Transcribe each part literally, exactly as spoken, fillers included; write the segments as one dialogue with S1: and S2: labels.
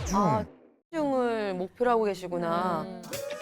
S1: 국제중.
S2: 아, 국제중을 목표로 하고 계시구나.
S3: 음.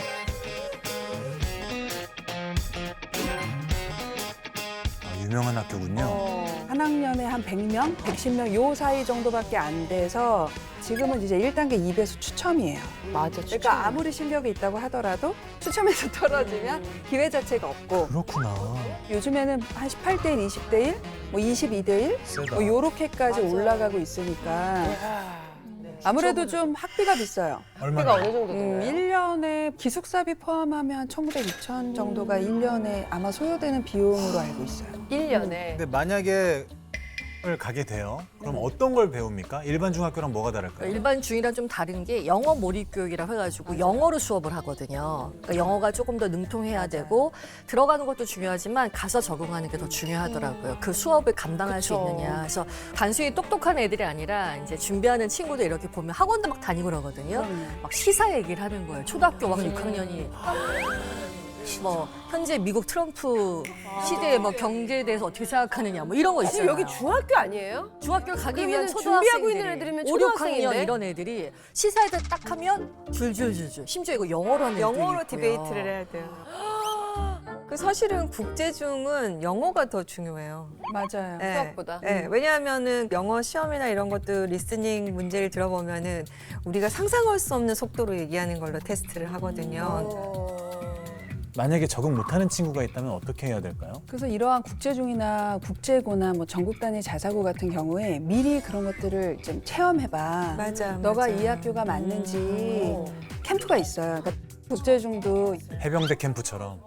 S1: 아, 유명한 학교군요.
S2: 어.
S4: 한 학년에 한 백 명, 백십 명 요 사이 정도밖에 안 돼서 지금은 이제 일 단계 이 배수 추첨이에요.
S2: 맞아.
S4: 그러니까 아무리 실력이 있다고 하더라도 추첨에서 떨어지면 기회 자체가 없고
S1: 그렇구나.
S4: 요즘에는 한 십팔 대 일, 이십 대 일, 뭐 이십이 대 일
S1: 세다.
S4: 뭐 요렇게까지
S2: 맞아.
S4: 올라가고 있으니까 아무래도 좀 학비가 비싸요.
S2: 학비가
S1: 얼마나?
S2: 어느 정도
S4: 음,
S2: 되나요?
S4: 일 년에 기숙사비 포함하면 한 천구백, 이천 정도가 일 년에 아마 소요되는 비용으로 알고 있어요.
S2: 일 년에.
S1: 근데 만약에 을 가게 돼요. 그럼 어떤 걸 배웁니까? 일반 중학교랑 뭐가 다를까요?
S3: 일반 중이랑 좀 다른 게 영어 몰입 교육이라 해가지고 영어로 수업을 하거든요. 그러니까 영어가 조금 더 능통해야 되고 들어가는 것도 중요하지만 가서 적응하는 게 더 중요하더라고요. 그 수업을 감당할 수
S2: 그쵸.
S3: 있느냐. 그래서 단순히 똑똑한 애들이 아니라 이제 준비하는 친구들 이렇게 보면 학원도 막 다니고 그러거든요. 막 시사 얘기를 하는 거예요. 초등학교 막 육 학년이. 뭐 현재 미국 트럼프 시대의 뭐 경제에 대해서 어떻게 생각하느냐 뭐 이런 거 있잖아요.
S2: 지금 여기 중학교 아니에요?
S3: 중학교 가기 위한
S2: 그러면은
S3: 초등학생들이
S2: 준비하고 있는 애들이면
S3: 오, 육 학년
S2: 초등학생인데?
S3: 이런 애들이 시사회를 딱 하면 줄줄줄줄 심지어 이거 영어로 하는 애들도
S5: 영어로
S3: 있고요.
S5: 디베이트를 해야 돼요. 그 사실은 국제중은 영어가 더 중요해요.
S4: 맞아요.
S5: 네.
S2: 수학보다.
S5: 네, 왜냐하면은 영어 시험이나 이런 것도 리스닝 문제를 들어보면은 우리가 상상할 수 없는 속도로 얘기하는 걸로 테스트를 하거든요.
S1: 만약에 적응 못하는 친구가 있다면 어떻게 해야 될까요?
S4: 그래서 이러한 국제중이나 국제고나 뭐 전국 단위 자사고 같은 경우에 미리 그런 것들을 좀 체험해봐.
S5: 맞아.
S4: 너가
S5: 맞아.
S4: 이 학교가 맞는지 캠프가 있어요. 그러니까 국제중도
S1: 해병대 캠프처럼.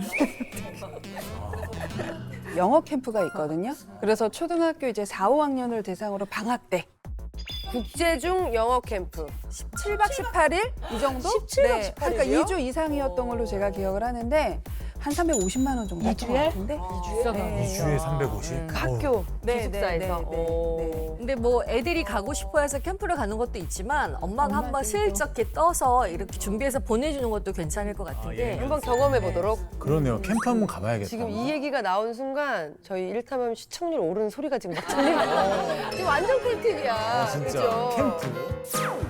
S4: 영어 캠프가 있거든요. 그래서 초등학교 이제 사, 오 학년을 대상으로 방학 때
S2: 국제중 영어 캠프.
S4: 십칠 박 십팔 일 이 정도?
S2: 십칠 박
S4: 네.
S2: 십팔 일이요?
S4: 그러니까 이 주 이상이었던 걸로 제가 기억을 하는데 한 삼백오십만 원 정도 했던 것 같은데.
S3: 비싸다.
S4: 네.
S1: 이 주에 삼백오십.
S2: 그 학교
S4: 네,
S2: 기숙사에서.
S4: 네, 네, 네,
S2: 오.
S4: 네.
S3: 근데 뭐 애들이 가고 싶어 해서 캠프를 가는 것도 있지만 엄마가 한번
S4: 엄마들도.
S3: 슬쩍 이렇게 떠서 이렇게 준비해서 보내주는 것도 괜찮을 것 같은
S1: 아,
S3: 게
S1: 예.
S2: 한번 경험해 보도록.
S1: 그러네요. 캠프 한번 가봐야겠다.
S2: 지금 이 얘기가 나온 순간 저희 일탐험 시청률 오르는 소리가 지금 막 들리고 지금 완전 꿀팁이야.
S1: 아, 진짜
S2: 그죠?
S1: 캠프.